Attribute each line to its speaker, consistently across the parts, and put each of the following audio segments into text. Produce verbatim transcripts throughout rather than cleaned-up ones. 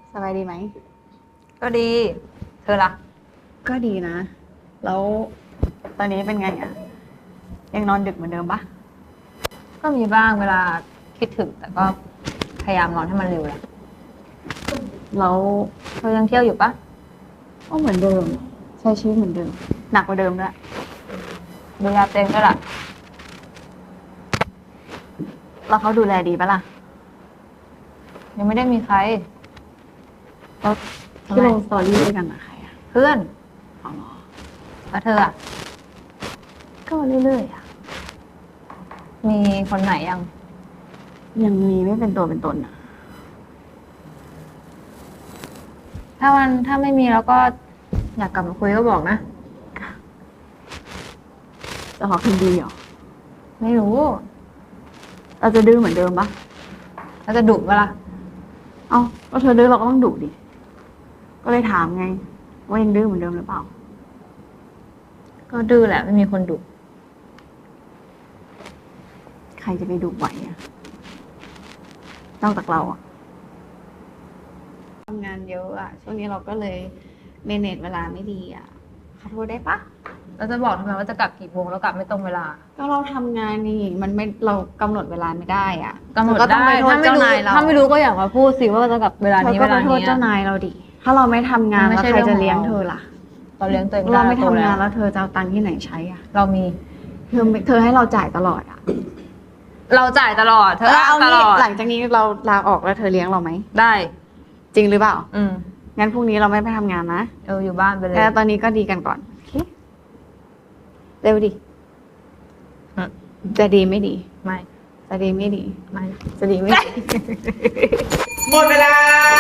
Speaker 1: สบายดีไหม
Speaker 2: ก็ดี เธอล่ะ
Speaker 1: ก็ดีนะ แล้วตอนนี้เป็นไงอ่ะ ยังนอนดึกเหมือนเดิมปะ
Speaker 2: ก็มีบ้างเวลาคิดถึงแต่ก็พยายามนอนให้มันเร็วแหละ
Speaker 1: แล้ว
Speaker 2: เธอยังเที่ยวอยู่ปะ
Speaker 1: ก็เหมือนเดิม ใช้ชีวิตเหมือนเดิม หนักกว่าเดิมด้วย
Speaker 2: ดูแลเต็มก็ล่ะ
Speaker 1: แล้วเขาดูแลดีปะล่ะ
Speaker 2: ยังไม่ได้มีใคร
Speaker 1: แล้วที่ลงสตอรี่ด้วยกันอะใครอะ
Speaker 2: เพื่อน
Speaker 1: อ๋อเหรอ
Speaker 2: แล้วเธออ่ะ
Speaker 1: ก็เรื่อยๆอะ
Speaker 2: มีคนไหนยัง
Speaker 1: ยังมีไม่เป็นตัวเป็นตนอะ
Speaker 2: ถ้ามันถ้าไม่มีแล้วก็อยากกลับมาคุยก็บอกนะ
Speaker 1: จะขอคืนดีเหรอ
Speaker 2: ไม่รู้
Speaker 1: เราจะดื้อเหมือนเดิมปะ
Speaker 2: เราจะดุเวลา
Speaker 1: เอ้าก็เธอดื้อเราก็ต้องดุดิก็เลยถามไงว่ายังดื้อเหมือนเดิมหรือเปล่า
Speaker 2: ก็ดื้อแหละไม่มีคนดุ
Speaker 1: ใครจะไปดุไหวอะนอกจากเราอะทำงานเยอะอะช่วงนี้เราก็เลยเมเนจเวลาไม่ดีอะขอโทษได้ปะ
Speaker 2: เราจะบอกทำไมว่าจะกลับกี่โมงแล้วกลับไม่ตรงเวลา
Speaker 1: ก็เราทำงานนี่มันไม่เรากำหนดเวลาไม่ได้อ่ะ
Speaker 2: กำหนด
Speaker 1: ก็ต้องไปโทษเจ้านายเรา
Speaker 2: ถ้าไม่รู้ก็อยากมาพูดสิว่าจะกลับเวลานี้เวลานี้
Speaker 1: ก็ไปโทษเจ้านายเราดิถ้าเราไม่ทำงานแล้วใครจะเลี้ยงเธอล่ะ
Speaker 2: เราเลี้ยงตัวเอง
Speaker 1: เราไม่ทำงานแล้วเธอจะเอาตังค์ที่ไหนใช้อ่ะ
Speaker 2: เรามี
Speaker 1: เธอเธอให้เราจ่ายตลอดอ่ะ
Speaker 2: เราจ่ายตลอดเธอเอาตลอด
Speaker 1: หลังจากนี้เราลาออกแล้วเธอเลี้ยงเราไหม
Speaker 2: ได้
Speaker 1: จริงหรือเปล่า
Speaker 2: อืม
Speaker 1: งั้นพรุ่งนี้เราไม่ไปทำงานนะ
Speaker 2: เอออยู่บ้านไปเลย
Speaker 1: แต่ตอนนี้ก็ดีกันก่อนเร็วดิจะดีไม่ดี
Speaker 2: ไม่
Speaker 1: จะดีไม่ดี
Speaker 2: ไม่
Speaker 1: จะดีไม่ดี
Speaker 3: หมดเวลา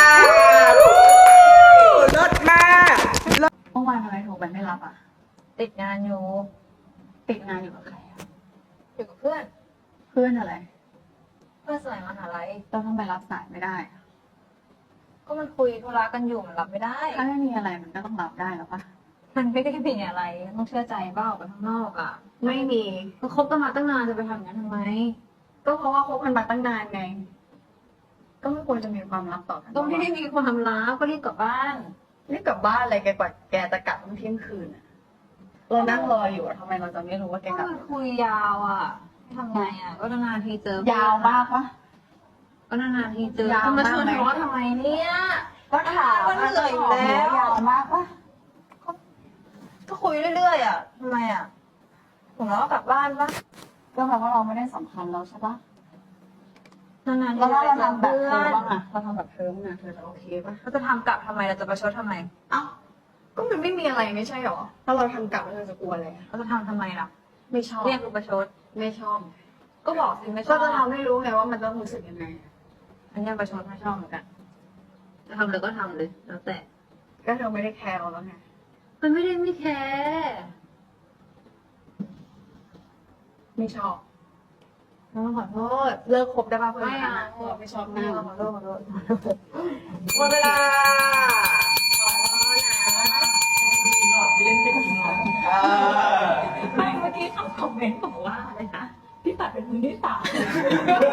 Speaker 3: ลดมาก
Speaker 1: เมื่อวานทำไมโทรไปไม่รับอ่ะ
Speaker 2: ติดงานอยู่
Speaker 1: ติดงานอยู่กับใครอ่ะ
Speaker 2: อยู่กับเพื่อน
Speaker 1: เพื่อนอะไร
Speaker 2: เพื่อนสมัยมหาลัย
Speaker 1: เราต้องไปรับสายไม่ได้
Speaker 2: ก็มันคุยธุระกันอยู่มันรับไม่ได้
Speaker 1: ถ้าไม่มีอะไรมันก็ต้องรับได้หรอปะ
Speaker 2: มันไม่ได้มีอะไรต้องเชื่อใจเปล่าไปข้างนอกอ่ะ
Speaker 1: ไม่มี
Speaker 2: ก็คบกันมาตั้งนานจะไปทำอย่างนั้นทำไม
Speaker 1: ก็เพราะว่าคบกันมาตั้งนานไงก็ไม่ควรจะมีความลับต่อกัน
Speaker 2: ก็ไม่ได้มีความลับก็รีบกลับบ้าน
Speaker 1: รีบกลับบ้านอะไรแกกว่าแกจะกลับตั้งเที่ยงคืนอ่ะเรานั่งรออยู่ทำไมเราจะไม่รู้ว่าแกกลับ
Speaker 2: ก็คุยยาวอ่ะทำไงอ่ะก็นานๆทีเจอย
Speaker 1: าวมากปะ
Speaker 2: ก็นานๆทีเจอจะมาชวนทะเลาะทำไมเนี่ย
Speaker 1: ก็ถาม
Speaker 2: ก็เหนื่อยอยู่แล้ว
Speaker 1: ยาวมากปะ
Speaker 2: ก็คุยเรื่อยๆอ่ะทำไมอ่ะผมแล้วก็กลับบ้านปะ
Speaker 1: ก็แปลว่าเราไม่ได้สำคัญแล้วใช่ปะ
Speaker 2: นานๆ
Speaker 1: แล้วเราทำแบบเธอบ้างอะเราทำแบบเธอบ้างอะเธอจะโอเคปะ
Speaker 2: เราจะทำกลับทำไมเราจะประชดทำไม
Speaker 1: เอ้าก็มันไม่มีอะไรไม่ใช่หรอถ้าเราทำกลับเธอจะกลัวอะไร
Speaker 2: เราจะทำทำไมล่ะ
Speaker 1: ไม่ชอบ
Speaker 2: เรียกกูประชด
Speaker 1: ไม่ชอบ
Speaker 2: ก็บอกสิไม่ชอบ
Speaker 1: ก็จะทำให้รู้ไงว่ามันต้องรู้สึกยังไง
Speaker 2: อันนี้ประชดไม่ชอบเหมือนกันจะทำเลยก็ทำเลยแล้วแต่
Speaker 1: ก็เธอไม่ได้แคร์เราแล้วไง
Speaker 2: มันไม่ได้ไม่แคร์
Speaker 1: ไม่ชอบ
Speaker 2: ต้องขอโทษ
Speaker 1: เลิกคบได้ป่ะเพื่อน
Speaker 2: ไม่เอา
Speaker 1: ไม่ชอบหน้า
Speaker 2: ขอโทษขอโทษ
Speaker 3: หมดเวลา
Speaker 2: ขอโทษนะ
Speaker 3: เล่นเป็นจริงเหรอ
Speaker 2: ไม่เมื่อกี้เขาคอมเมนต์บอกว่าอะไรนะพี่ปัดเป็นมือที่สาม